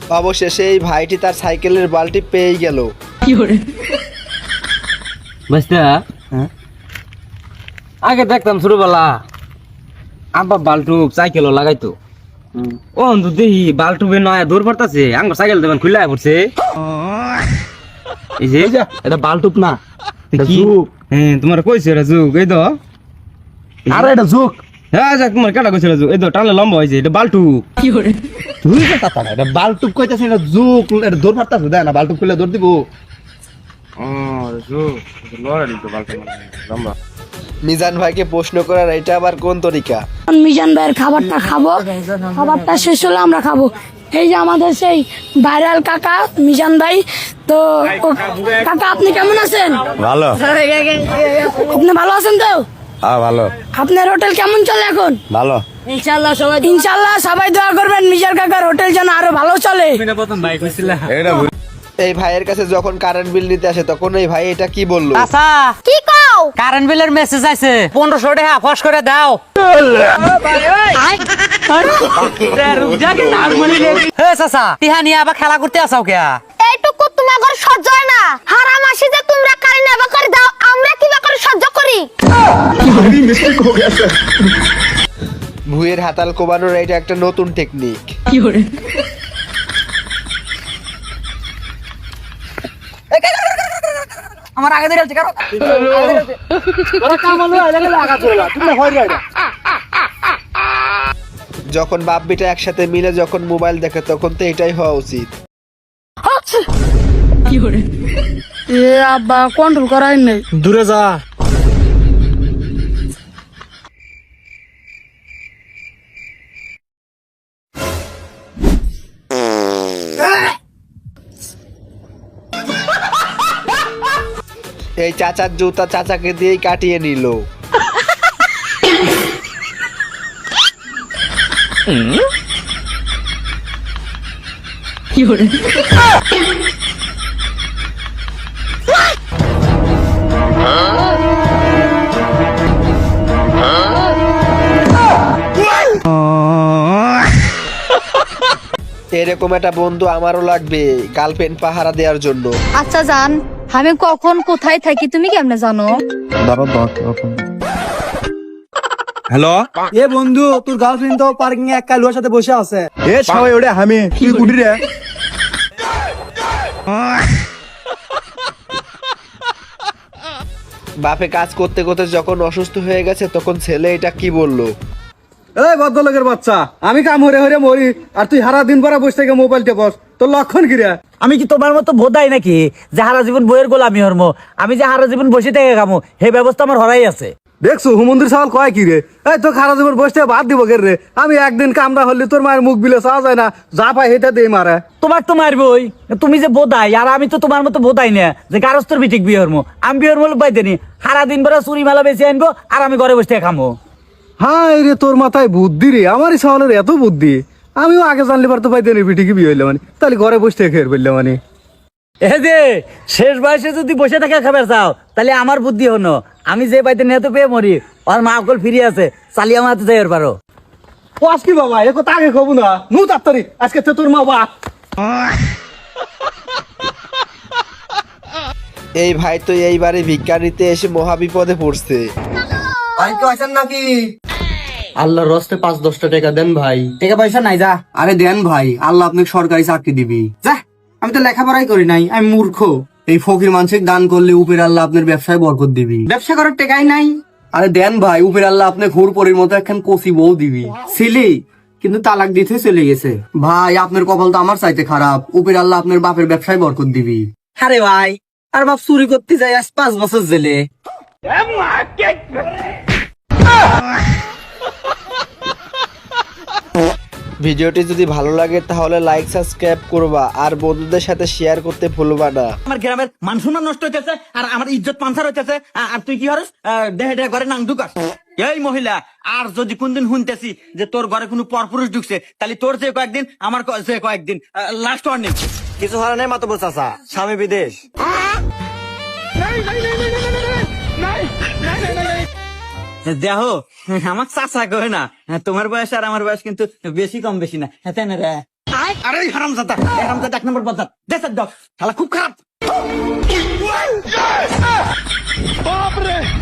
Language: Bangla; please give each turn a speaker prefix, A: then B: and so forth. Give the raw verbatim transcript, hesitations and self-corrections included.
A: অবশেষে এই ভাইটি তার সাইকেলের বালতি পেয়ে গেল।
B: আগে দেখতাম ছোটবেলা আব্বা বাল্টুক সাইকেলও লাগাইতো, ও দেখি বাল্টুবে নয়া দৌড় পড়তাছে, আঙ্গুর সাইকেল দেবেন খুলে পড়ছে। এই যে এটা বাল্টুক না, হ্যাঁ তোমার কইছে এটা যুগ, এই তো
C: আরে এটা যুগ।
B: হ্যাঁ যাক তোমার কেটা কইছিল যুগ, এই তো টানলে লম্বা হয়েছে, এটা বাল্টুক।
C: তুই কথা না, এটা বালটুক কইতাছিস, এটা যুগ, এটা দৌড় মারতাছিস, দেখ না বালটুক খুলে দৌড় দিব।
A: মিজান ভাইকে প্রশ্ন করার এটা আবার কোন তরিকা?
D: মিজান ভাইয়ের খাবারটা খাবো, খাবারটা শেষ হলে আমরা খাবো। এই যে আমাদের সেই ভাইরাল কাকা মিজান ভাই। তো ও- কাকা আপনি কেমন আছেন?
C: ভালো।
D: আপনি ভালো আছেন তো?
C: হ্যাঁ ভালো।
D: আপনার হোটেল কেমন চলে এখন?
C: ভালো।
D: ইনশাল্লাহ সবাই ইনশাল্লাহ সবাই দোয়া করবেন মিজান কাকার হোটেল যেন আরো ভালো চলে।
C: এটা
A: এই ভাইয়ের কাছে যখন কারেন্ট বিল নিতে আসে তখন এই ভাই এটা কি বললো?
E: আচ্ছা
D: কি কও?
E: কারেন্ট বিলের মেসেজ আছে, পনেরোশো টাকা ফস করে দাও। হে চাচা, টিহা নিয়ে আবার খেলা করতে আসাও কে?
D: এইটুকু তোমাদের সহ্য হয় না? হারাম আসি যে তোমরা কারেন্ট এবার করে দাও, আমরা কিবা করে সহ্য করি?
A: ভুঁয়ের হাতাল কোবানোর এটা একটা নতুন টেকনিক।
E: আমার আগে ধরে কারো
A: যখন বাপ বেটা একসাথে মিলে যখন মোবাইল দেখে তখন তো এটাই হওয়া উচিত।
D: এ আব্বা কন্ট্রোল করাই নেই।
C: দূরে যা।
A: এই চাচার জুতা চাচাকে দিয়েই কাটিয়ে নিল। এরকম একটা বন্ধু আমারও লাগবে গার্লফ্রেন্ড পাহারা দেওয়ার জন্য।
F: আচ্ছা জান, আমি কখন কোথায় থাকি তুমি কেমনে জানো?
B: হ্যালো,
C: এ বন্ধু, তোর গার্লফ্রেন্ড তো পার্কিং এ এক কালুয়ার সাথে বসে আছে। এ সবাই ওরে আমি তুই কুটি রে।
A: বাপে কাজ করতে করতে যখন অসুস্থ হয়ে গেছে তখন ছেলে এটা কি বললো?
C: এই ভদ্রলোকের বাচ্চা, আমি কাম হরে হরে মরি আর তুই সারা দিন পরে বসে থেকে মোবাইল টেপস, তোর লক্ষণ কি রে?
E: আমি কি তোমার মতো বোধাই নাকি যে হারা জীবন বইয়ের গোলামি হরম? আমি যে হারা জীবন বসে থেকে খামো সেই ব্যবস্থা আমার হরাই আছে।
C: দেখছো হুমন্দির সাল কয় কি রে? এই তো খারা জীবন বসে বাদ দিব কে রে? আমি একদিন কামড়া হলে তোর মায়ের মুখ বিলে চাওয়া যায় না, যা পাই হেটা দিয়ে মারে।
E: তোমার তো মারবই, তুমি যে বোধাই আর আমি তো তোমার মতো বোধাই না যে গারস্তর বিঠিক বিয়ে হরমো। আমি বিয়ের মূল পাইতেনি, সারা দিন পরে চুরি মেলা বেশি আনবো আর আমি ঘরে বসে থেকে খামো।
C: হ্যাঁ রে, তোর মাথায় বুদ্ধি রে, আমারই সালের এত বুদ্ধি। আমিও আগে জানলে পারতো পাইতেনি পিঠিকে বিয়ে হইলে মানে, তাহলে ঘরে বসে থেকে খেয়ে ফেললে মানে।
E: এ যে শেষ বয়সে যদি বসে থাকে খাবার চাও তাহলে আমার বুদ্ধি হনো, আমি যে পাইতে নিয়ে পেয়ে মরি, আর মা অকল ফিরে আছে, চালিয়ে আমার হাতে যাইবার পারো।
C: কস কি বাবা, এ কথা আগে কব না, নু তাড়াতাড়ি আজকে তো তোর মা বা।
A: এই ভাই তো এইবারে ভিক্ষা নিতে এসে মহাবিপদে পড়ছে।
C: নাকি
B: আল্লাহর রস্তে পাঁচ দশটা টাকা দেন ভাই।
E: টাকা পয়সা নাই যা।
B: আরে দেন ভাই, আল্লাহ আপনাকে সরকারি চাকরি দিবি।
E: যা, আমি তো লেখাপড়াই করি নাই, আমি মূর্খ।
B: এই ফকির মানুষকে দান করলে উপের আল্লাহ আপনার ব্যবসায় বরকত দিবি।
E: ব্যবসা করার টাকাই নাই।
B: আরে দেন ভাই, উপের আল্লাহ আপনি ঘোর পরের মতো একখান কচি বউ দিবি।
E: ছিলি কিন্তু তালাক দিতে চলে গেছে।
B: ভাই আপনার কপাল তো আমার চাইতে খারাপ, উপের আল্লাহ আপনার বাপের ব্যবসায় বরকত দিবি।
E: আরে ভাই, আর বাপ চুরি করতে যাই আজ পাঁচ বছর জেলে।
A: ভিডিওটি যদি ভালো লাগে তাহলে লাইক সাবস্ক্রাইব করবা আর বন্ধুদের সাথে শেয়ার করতে ভুলবা না।
E: আমার গ্রামের মান সম্মান নষ্ট হইতেছে আর আমার ইজ্জত পান্সার হইতেছে, আর তুই কি হরস দেহে দেহে ঘরে নাং ঢুকাস। এই মহিলা, আর যদি কোনদিন শুনতেছি যে তোর ঘরে কোনো পরপুরুষ ঢুকছে তাহলে তোর যে কয়েকদিন আমার ক- যে কয়েকদিন লাস্ট ওয়ার্নিং।
B: কিছু হারা নেই মাতবর চাচা, স্বামী বিদেশ।
E: দেহ আমার চাচা কয় না, তোমার বয়স আর আমার বয়স কিন্তু বেশি কম বেশি না। হ্যাঁ তাই না রে? আরে হারামজাদা হারামজাদা এক নম্বর বদজাত দেশের দশ শালা খুব খারাপ